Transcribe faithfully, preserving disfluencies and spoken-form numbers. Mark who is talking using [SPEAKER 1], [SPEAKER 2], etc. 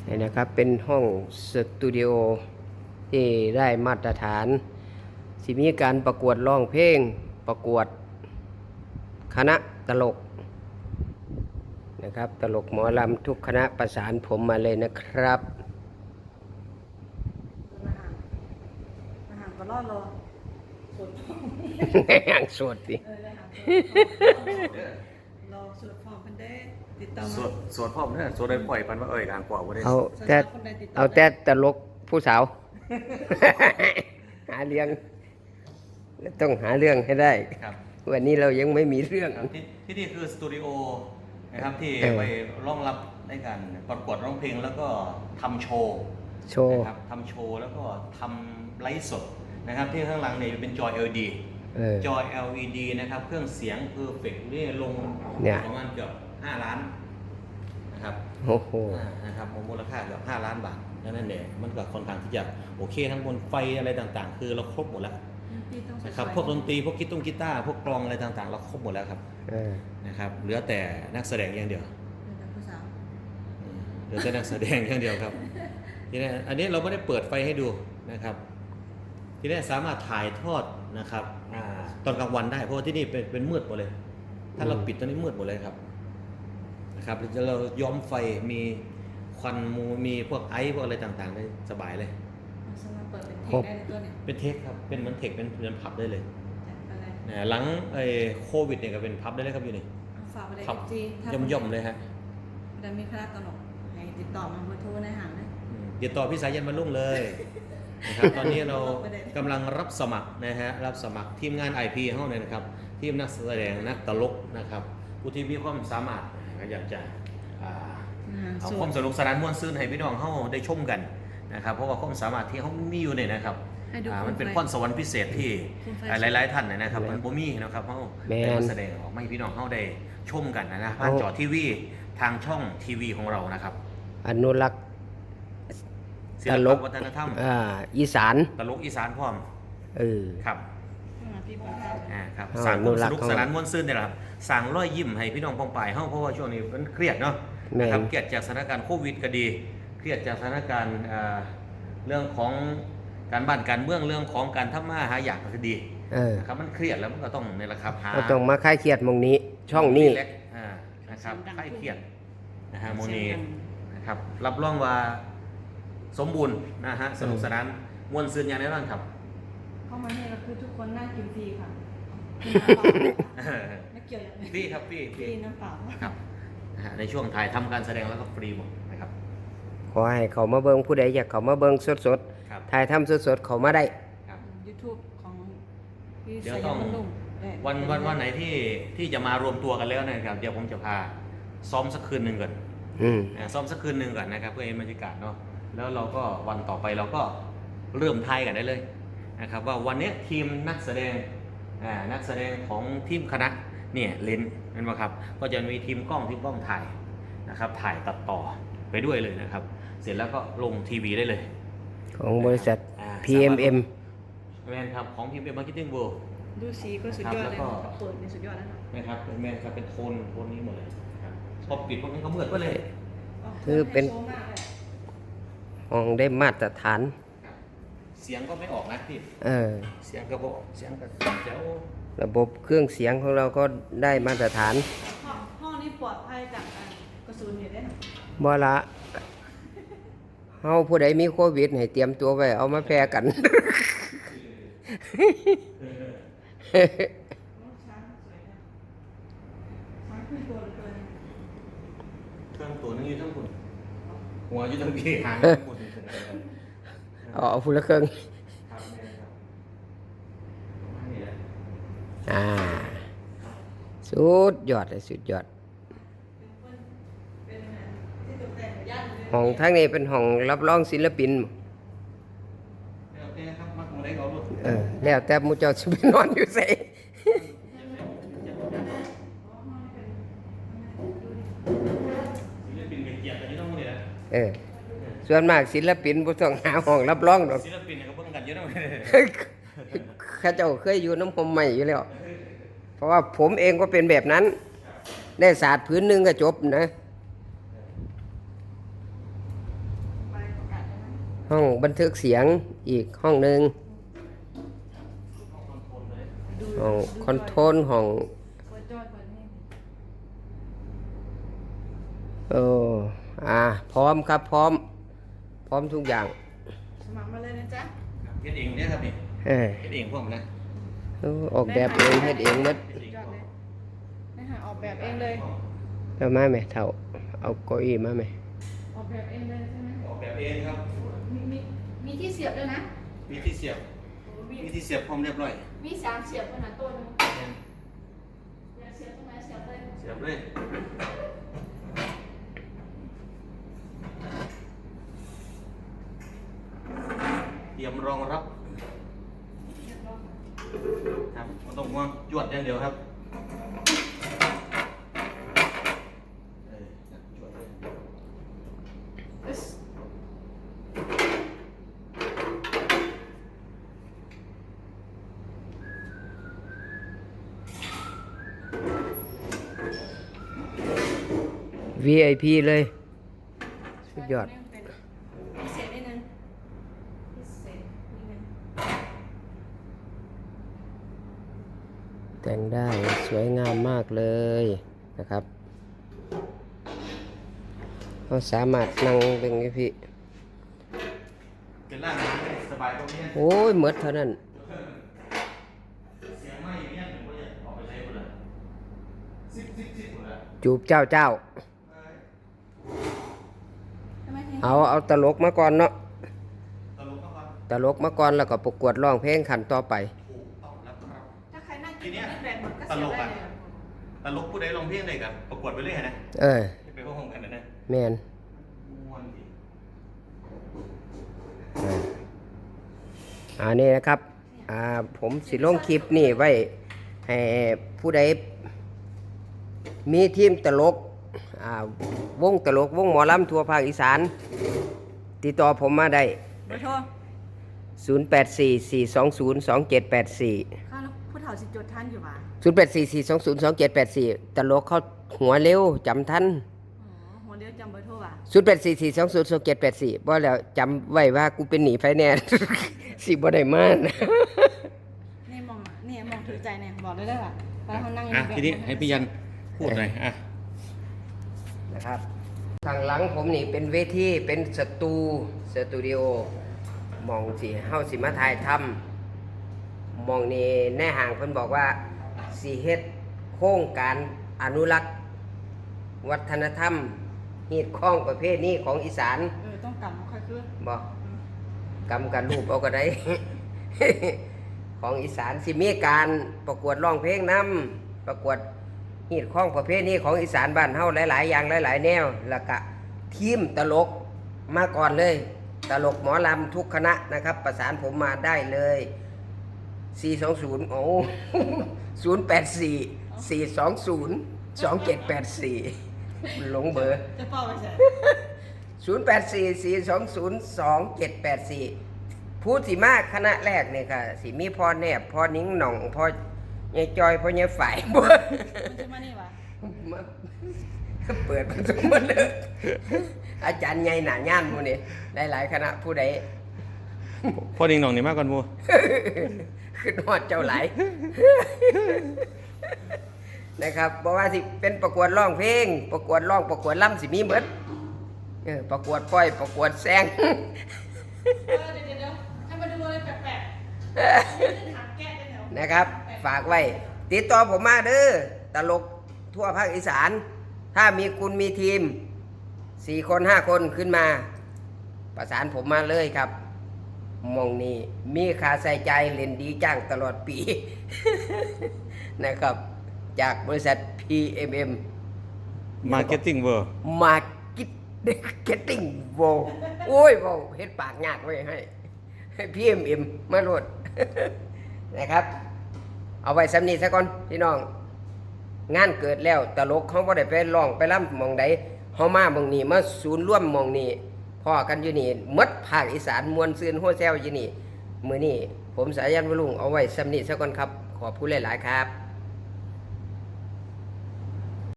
[SPEAKER 1] นี่นะครับเป็นห้องสตูดิโอที่ได้มาตรฐานสิมีการประกวดร้องเพลงประกวดคณะตลกนะครับตลกหมอลำทุกคณะประสานผมมาเลยนะครับ
[SPEAKER 2] อาหารก็รอดรอสดฟอง
[SPEAKER 1] ห่างสดดิ
[SPEAKER 2] เออเลยค่ะรอสดฟองมันได้ติดต่อ
[SPEAKER 3] ส
[SPEAKER 2] มาว
[SPEAKER 3] ดสวดพ่อมเนี่ยสวดได้ปล่อยปันว่าเอ่ยกลางกว่าบ่ได้
[SPEAKER 1] เอาแต่เอาแต่ตลกผู้สาว หาเรื่องต้องหาเรื่องให้ได้
[SPEAKER 3] ครับ
[SPEAKER 1] วันนี้เรายังไม่มีเรื่อง
[SPEAKER 3] ครับที่ที่นี่คือสตูดิโอนะครับที่
[SPEAKER 1] เออ
[SPEAKER 3] ไปร้องรับในการประกวดร้องเพลงแล้วก็ทำโชว์
[SPEAKER 1] โชว์
[SPEAKER 3] นะครับทำโชว์แล้วก็ทำไลฟ์สดนะครับที่ข้างหลังเนี่ยเป็นจอ แอล อี ดี
[SPEAKER 1] เออ
[SPEAKER 3] จอ แอล อี ดี นะครับเครื่องเสียงเพอร์เฟกต์นี่ลง
[SPEAKER 1] เนี่ย
[SPEAKER 3] ประมาณเกือบห้าล้านนะครับ
[SPEAKER 1] โอ้โห
[SPEAKER 3] อ่านะครับมูลค่าเกือบห้าล้านบาทดังนั้นเนี่ยมันก็ค่อนข้างที่จะโอเคทั้งบนไฟอะไรต่างๆ คือเราครบหมดแล้วนะครับพวกดนตรีพวกกีตงกีตาร์พวกกลองอะไรต่างๆ เราครบหมดแล้วครับ
[SPEAKER 1] เออ
[SPEAKER 3] นะครับเหลือแต่นักแสดงอย่างเดียว
[SPEAKER 2] ผู้สาว
[SPEAKER 3] อืมเหลือแต่นักแสดงอย่างเดียวครับทีนี้อันนี้เราไม่ได้เปิดไฟให้ดูนะครับทีนี้สามารถถ่ายทอดนะครับอาตอนกลางวันได้เพราะว่าที่นี่เป็นเป็นมืดหมดเลย ถ้าเราปิดตอนนี้มืดหมดเลยครับนะครับเราย้อมไฟมีควันมูมีพวกไอซ์พวกอะไรต่างๆได้สบายเลย
[SPEAKER 2] สามารถเปิดเป็นเทคได้ในตัวเนี่ย
[SPEAKER 3] เป็นเทคครับเป็นเหมือนเทคเป็นเป็นผับได้เลย
[SPEAKER 2] จัดไปเลย
[SPEAKER 3] นะหลังไอ้โควิดเนี่ยก็เป็นพับได้เลยครับอยู่นี่
[SPEAKER 2] เอาฝากไปเลย
[SPEAKER 3] พับ
[SPEAKER 2] จี
[SPEAKER 3] ย่อมๆเลยฮะ
[SPEAKER 2] ได้มีคณะตลกให้ติดต่อมาเบอร์โทรในหางนะ
[SPEAKER 3] อืมติดต่อพี่สายันมาลุ่งเลยนะครับตอนนี้เรากำลังรับสมัครนะฮะรับสมัครทีมงาน ไอ พี เฮาเนี่ยนะครับทีมนักแสดงนักตลกนะครับผู้ที่มีความสามารถก็อยากจะอ่า
[SPEAKER 2] อาหาร
[SPEAKER 3] เอา
[SPEAKER 2] ส
[SPEAKER 3] ความ
[SPEAKER 2] ด
[SPEAKER 3] สนุกสนานม่วนซื่นให้พี่น้องเฮาได้ชมกันนะครับเพราะว่าความสามารถที่เขามีอยู่เนี่ยนะครับ
[SPEAKER 2] ให้ดู
[SPEAKER 3] อ่า
[SPEAKER 2] โคมไฟ
[SPEAKER 3] มันเป็นพรสวรรค์พิเศษที่
[SPEAKER 2] โคมไฟ
[SPEAKER 3] อ่าหลายๆท่านเนยนะครับมันบ่มีนะครับเฮา
[SPEAKER 1] แม่น
[SPEAKER 3] ได้มาแสดงออกมาให้พี่น้องเฮาได้ชมกันนะนะผ่าน
[SPEAKER 1] เอา
[SPEAKER 3] จอทีวีทางช่องทีวีของเรานะครับ
[SPEAKER 1] อนุรักษ์
[SPEAKER 3] ศิ
[SPEAKER 1] ต
[SPEAKER 3] ล
[SPEAKER 1] ล
[SPEAKER 3] ป
[SPEAKER 1] ก
[SPEAKER 3] วัฒนธรรม
[SPEAKER 1] อ่าอีสาน
[SPEAKER 3] ตลกอีสานพร้อม
[SPEAKER 1] เออ
[SPEAKER 3] ครับ
[SPEAKER 2] อ่าพี่ปองครับ
[SPEAKER 3] อ่าครับ
[SPEAKER 1] เอา
[SPEAKER 3] สร้างค
[SPEAKER 1] อนุ
[SPEAKER 3] วาม
[SPEAKER 1] รั
[SPEAKER 3] ส
[SPEAKER 1] กษ์
[SPEAKER 3] นุกสนานม่วนซื่นเนี่ยแหละครับสร้างรอยยิ้มให้พี่น้องปองปายเฮาเพราะว่าช่วงนี้มันเครียดเนาะ
[SPEAKER 1] แม่น
[SPEAKER 3] นะครับเครียดจากสถานการณ์โควิดก็ดี เครียดจากสถานการณ์อ่าเรื่องของการบ้านการเมืองเรื่องของการทำมาหาอยากก็ดี
[SPEAKER 1] เออ
[SPEAKER 3] นะครับมันเครียดแล้วมันก็ต้องนี่แหละครับหา
[SPEAKER 1] ก็ต้องมาคลายเครียดหมองนี้ ช่องนี้
[SPEAKER 3] รีแลกซ์อ่านะครับคลายเครียดนะฮะโมนีนะครับรับรองว่าสมบูรณ์นะฮะสนุกสนานม่วนซื่นอย่างแน่นอนครับ
[SPEAKER 2] เข้ามาเนี่ยก็คือทุกคนน่ากินฟรีค่ะไม่เกี่ยวอย่างนี้
[SPEAKER 3] ฟรีครับฟรี
[SPEAKER 2] ฟรีน้ำเปล่า
[SPEAKER 3] ครับนะฮะในช่วงถ่ายทำการแสดงแล้วก็ฟรีหมดนะครับ
[SPEAKER 1] ขอให้เขามาเบิงผู้ใดอยากเขามาเบิงสด
[SPEAKER 3] ครับ
[SPEAKER 1] ๆถ่ายทำสดๆเขามาได้
[SPEAKER 3] ครับ
[SPEAKER 2] ยูทูบของพี่
[SPEAKER 3] เดี๋ยว
[SPEAKER 2] สย
[SPEAKER 3] ต้
[SPEAKER 2] า
[SPEAKER 3] อง
[SPEAKER 2] มลุง
[SPEAKER 3] วันวันวันไหนที่ที่จะมารวมตัวกันแล้วนะครับเดี๋ยวผมจะพาซ้อมสักคืนหนึ่งก่อน
[SPEAKER 1] อืม
[SPEAKER 3] อ่าซ้อมสักคืนหนึ่งก่อนนะครับเพื่อให้บรรยากาศเนาะแล้วเราก็วันต่อไปเราก็เริ่มทายกันได้เลยนะครับว่าวันนี้ทีมนักแสดงอ่านักแสดงของทีมคณะเนี่ยเลนนั่นไหมครับก็จะมีทีมกล้องทีมกล้องถ่ายนะครับถ่ายตัดต่อไปด้วยเลยนะครับ เสร็จแล้วก็ลงทีวีได้เลย
[SPEAKER 1] ของบริษัท
[SPEAKER 3] อ่า
[SPEAKER 1] พี เอ็ม เอ็ม
[SPEAKER 3] แมนครับของพีเอ็มมาร์เก็ตติ้งเวิลด์
[SPEAKER 2] ดูสีก็สุดยอดเลย
[SPEAKER 3] ครับแล้วก็
[SPEAKER 2] เปิดในสุดยอดแล้วนะ
[SPEAKER 3] นะครับเป็นแมนครับเป็นโทนโทนนี้หมดเลยครับพอปิดพวกนี้ก็มืดไปเลย
[SPEAKER 1] คือเป็น
[SPEAKER 2] โชว์มากเลย
[SPEAKER 1] ห้องได้มาตรฐาน
[SPEAKER 3] ครับเสียงก็ไม่ออกนะพี่
[SPEAKER 1] เออ
[SPEAKER 3] เสียงก็บอกเสียงก็เจ๋ว
[SPEAKER 1] ระบบเครื่องเสียงของเราก็ได้มาตรฐาน
[SPEAKER 2] ห้องห้องนี้ปลอดภัยจากอ่ากระสุนเหตุได้หน
[SPEAKER 1] บ่ละเฮาผู้ใดมีโควิดให้เตรียมตัวไว้เอามาแพร่กัน
[SPEAKER 2] ช้างสวยนะช้างขึ้นตัวเหลือเกิน
[SPEAKER 3] เครื่องตัวนึงอยู่ทั้งคุณหัวอยู่ทั้งพี่หางอยู่ทั้งหมด
[SPEAKER 1] เอาเอาผู้ละเครื่อง
[SPEAKER 3] ครับแม่ครับนี่แหละ
[SPEAKER 1] อ่า สุดยอดเลยสุดยอด
[SPEAKER 2] เป็นที่ตกแต่งย่านเลย
[SPEAKER 1] ห้องทั้งนี้เป็นห้องรับรองศิลปิน
[SPEAKER 3] โอเคครับมักมาได้เขาลูก
[SPEAKER 1] เออ แล้วแต่หมูเจ้าสิไปนอนอยู่ไส
[SPEAKER 3] ศิลปินเป็นเกียรติอันนี้ต้องนี่แหละ
[SPEAKER 1] เออ ส่วนมากศิลปินบ่ต้องหาห้องรับรองดอก
[SPEAKER 3] ศิลปินเนี่ยเขาเพิ่งกันเยอะนะ
[SPEAKER 1] ข้าเจ้าเคยอยู่น้ำผมใหม่อยู่แล้ว เพราะว่าผมเองก็เป็นแบบนั้น ได้ศาสตร์พื้นหนึ่งก็จบนะห้องบันทึกเสียงอีกห้องหนึ่ง
[SPEAKER 2] ดู
[SPEAKER 1] ห้อง
[SPEAKER 2] ดู
[SPEAKER 1] คอนโทรลห้อง
[SPEAKER 2] เปิดจอยเปิดนี่
[SPEAKER 1] เอออ่าพร้อมครับพร้อม พร้อมทุกอย่าง
[SPEAKER 2] สมัครมาเลยนะจ๊ะ
[SPEAKER 3] เฮ็ดเองเนี่ยครับนี่
[SPEAKER 1] เออ
[SPEAKER 3] เฮ็ดเองพวกมันนะ
[SPEAKER 1] เออออกแบบเองเฮ็ดเองหมัด
[SPEAKER 3] เฮ็ดเอง
[SPEAKER 2] จอด
[SPEAKER 3] พวก
[SPEAKER 2] เลยนะฮะออกแบบเองเลย
[SPEAKER 1] เอามาไหมเท่าเอาเก้าอี้มาไหม
[SPEAKER 2] ออกแบบเองเลยใช่ไหม
[SPEAKER 3] ออกแบบเองครับ
[SPEAKER 2] มีมีมีที่เสียบด้วยนะ
[SPEAKER 3] มีที่เสียบ
[SPEAKER 2] โอ้มี
[SPEAKER 3] มีที่เสียบพร้อมเรียบร้อย
[SPEAKER 2] มีสามเสียบขนาดตัวหนึงอยากเสียบตรงไหนเสียบเลย
[SPEAKER 3] เสียบเลย เตรียมรองรับ
[SPEAKER 2] เรียบร้อย
[SPEAKER 3] ครับไม่ต้องห่วงจวดอย่างเดียวครับเออจวดเลย
[SPEAKER 2] เอ้ย
[SPEAKER 1] วี ไอ พี เลยสุดยอด
[SPEAKER 2] เป็นพิเศษนิดนึงพิเศษนิดนึง
[SPEAKER 1] แต่งได้สวยงามมากเลยนะครับเราสามารถนั่งเป็นไงพี่
[SPEAKER 3] เป็นร่างกายให้สบายตรงนี้
[SPEAKER 1] โอ้ยหมดเท่านั้น
[SPEAKER 3] เสียงไม่เนี่ยหนูก็จะออกไปใช้หมดเลยซิบซิบซิบหมดเลย
[SPEAKER 1] จูบเจ้าเจ้า
[SPEAKER 2] ทำไมถึง
[SPEAKER 1] เอาเอาตลกมาก่อนเนาะ
[SPEAKER 3] ตลกมากครับ
[SPEAKER 1] ตลกมาก่อนแล้วก็ประกวดร้องเพลงขันต่อไป
[SPEAKER 3] ถูกต้องแล้วครับ
[SPEAKER 2] ถ้าใครนั่งกินนี่แบกหมดก็เสียบได้เลยอะ
[SPEAKER 3] ตลกผู้ใดลองเพลงได้กันประกวดไปเรื่อยนะ
[SPEAKER 1] เออ
[SPEAKER 3] ไปพวกห้องกันนะนะ
[SPEAKER 1] แมน
[SPEAKER 3] ม่วนดี
[SPEAKER 1] อ่าอันนี้นะครับอ่าผมสิลงคลิปนี่ไว้ให้ผู้ใดมีทีมตลกอ่าวงตลกวงหมอลำทั่วภาคอีสาน ติดต่อผมมาได้
[SPEAKER 2] เบอร์โทร
[SPEAKER 1] ศูนย์ แปด สี่ สี่ สอง ศูนย์ สอง เจ็ด แปด สี่
[SPEAKER 2] ข้าวผู้เฒ่าสิจดท่านอยู่ว่ะ
[SPEAKER 1] ศูนย์ แปด สี่ สี่ สอง ศูนย์ สอง เจ็ด แปด สี่ ตลกเขาหัวเร็วจำทัน
[SPEAKER 2] อ๋อหัวเดียวจำเบอร์โทรว่ะ
[SPEAKER 1] ศูนย์ แปด สี่ สี่ สอง ศูนย์ สอง เจ็ด แปด สี่บ่แล้วจำไว้ว่ากูเป็นหนีไฟแนนซ์ สิบ่ได้มานะ
[SPEAKER 2] นี่มองนี่มองถือใจเนี่ยบอกได้เลยว่ะตอนเขานั่ง
[SPEAKER 3] อ่ะ
[SPEAKER 2] แบบ
[SPEAKER 3] ทีนี้ให้พี่ยันพูดหน่อยอ่ะ
[SPEAKER 1] นะครับทางหลังผมนี่เป็นเวทีเป็นสตูสตูดิโอมองสิเฮาสิมาถ่ายทำมองนี่แน่ห่างเพิ่นบอกว่าสิเฮ็ดโครงการอนุรักษ์ วัฒนธรรมฮีดข้องประเภทนี้ของอีสาน
[SPEAKER 2] เออต้องกำค่อยขึ้น
[SPEAKER 1] บอกกำกันรูปเอาก็ได้ ของอีสานสิมีการประกวดร้องเพลงนำประกวดฮีดข้องประเภทนี้ของอีสานบ้านเฮาหลาย ๆ อย่างหลาย ๆ แนวแล้วก็ทีมตลกมาก่อนเลย ตลกหมอลำทุกคณะนะครับ ประสานผมมาได้เลย สี่ สอง ศูนย์ โอ้ ศูนย์ แปด สี่ สี่ สอง ศูนย์ สอง เจ็ด แปด สี่ หลงเบอร์
[SPEAKER 2] จะเป้าไปใส่
[SPEAKER 1] ศูนย์ แปด สี่ สี่ สอง ศูนย์ สอง เจ็ด แปด สี่ ผู้สิมาคณะแรกเนี่ยค่ะสิมีพ่อแนบพ่อนิ้งหน่องพ่อยายจอยพ่อยายฝ่าย บ่
[SPEAKER 2] มันจะมานี่ว่ะ
[SPEAKER 1] มาเปิดประตูมาเลยอาจารย์ใหญ่หนาย่านหมู่นี่หลายๆคณะผู้ใด
[SPEAKER 3] พ่อดิงหน่องนี่มากกว่ามู
[SPEAKER 1] ขึ้นฮอดเจ้าหลาย นะครับบอกว่าสิเป็นประกวดร้องเพลง ประกวดร้องประกวดล่ำสิมีเบิดเออประกวดป้อยประกวดแซง
[SPEAKER 2] เออเดี๋ยวเดี๋ยวเดี๋ยวให้มาดูอะไรแปลกๆถามแก้ได้แล้ว
[SPEAKER 1] นะครับ ฝากไว้ ติดต่อผมมาเด้อตลกทั่วภาคอีสาน ถ้ามีคุณมีทีมสี่คนห้าคนขึ้นมา ประสานผมมาเลยครับหมองนี้มีค่าใส่ใจเล่นดีจ้างตลอดปี นะครับ จากบริษัท พี เอ็ม เอ็ม
[SPEAKER 3] Marketing World
[SPEAKER 1] Marketing World โอ้ยเว้าเฮ็ดปากยากไว้ให้ ให้ พี เอ็ม เอ็ม มาโหลด นะครับ เอาไว้สำนีซะก่อนพี่น้อง งานเกิดแล้วตลกเขาบ่ได้ไปร้องไปร่ำหมองใดเฮามาหมองนี้มาศูนย์ร่วมหมองนี้พ่อกันอยู่นี่หมดภาคอีสานมวลซืนโฮแซวอยู่นี่มื้อนี้ผมสายันวรุงเอาไว้สำนีซะก่อนครับ ขอบคุณหลายๆครับ